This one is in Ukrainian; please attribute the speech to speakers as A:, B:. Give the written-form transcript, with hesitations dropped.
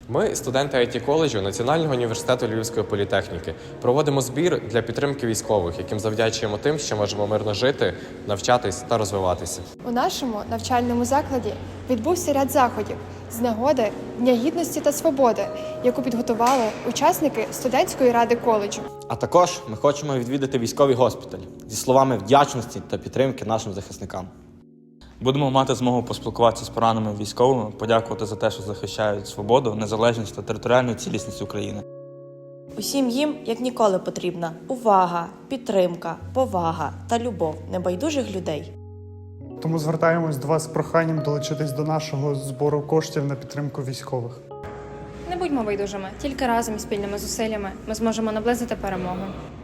A: Ми, студенти IT-коледжу Національного університету Львівської політехніки, проводимо збір для підтримки військових, яким завдячуємо тим, що можемо мирно жити, навчатись та розвиватися.
B: У нашому навчальному закладі відбувся ряд заходів з нагоди Дня Гідності та Свободи, яку підготували учасники студентської ради коледжу.
C: А також ми хочемо відвідати військовий госпіталь зі словами вдячності та підтримки нашим захисникам.
D: Будемо мати змогу поспілкуватися з пораненими військовими, подякувати за те, що захищають свободу, незалежність та територіальну цілісність України.
E: Усім їм, як ніколи, потрібна увага, підтримка, повага та любов небайдужих людей.
F: Тому звертаємось до вас з проханням долучитись до нашого збору коштів на підтримку військових.
G: Не будьмо байдужими, тільки разом і спільними зусиллями ми зможемо наблизити перемогу.